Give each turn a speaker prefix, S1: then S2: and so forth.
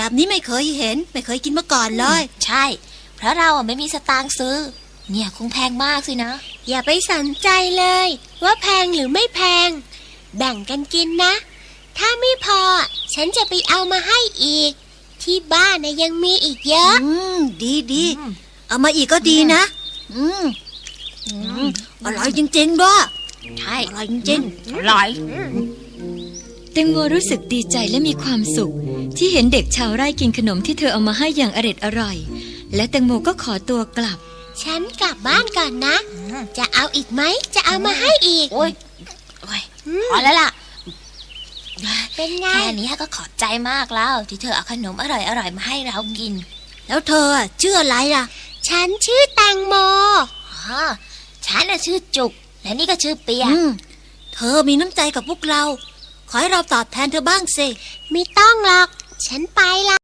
S1: แบบนี้ไม่เคยเห็นไม่เคยกินมาก่อนเลย
S2: ใช่เพราะเราไม่มีสตางค์ซื้อเนี่ยคงแพงมากสินะ
S3: อย่าไปสนใจเลยว่าแพงหรือไม่แพงแบ่งกันกินนะถ้าไม่พอฉันจะไปเอามาให้อีกที่บ้านยังมีอีกเยอะ
S1: ดีเอามาอีกก็ดีนะอร่อยจริงๆด้วย
S2: ใช่
S1: อร่อยจริง
S2: อร่อย
S4: แตงโมรู้สึกดีใจและมีความสุขที่เห็นเด็กชาวไร่กินขนมที่เธอเอามาให้อย่างอร่อยและแตงโมก็ขอตัวกลับ
S3: ฉันกลับบ้านก่อนนะจะเอาอีกไหมจะเอามาให้อีก
S2: โอ้ยพอแล้วล่ะ
S3: เป็นไง
S2: แค่นี้ก็ขอบใจมากแล้วที่เธอเอาขนมอร่อยมาให้เรากิน
S1: แล้วเธอชื่ออะไรล่ะ
S3: ฉันชื่อแตงโม
S2: ฉันชื่อจุกและนี่ก็ชื่อเปีย
S1: เธอมีน้ำใจกับพวกเราขอให้เราตอบแทนเธอบ้างสิ
S3: ไม่ต้องหรอกฉันไปละ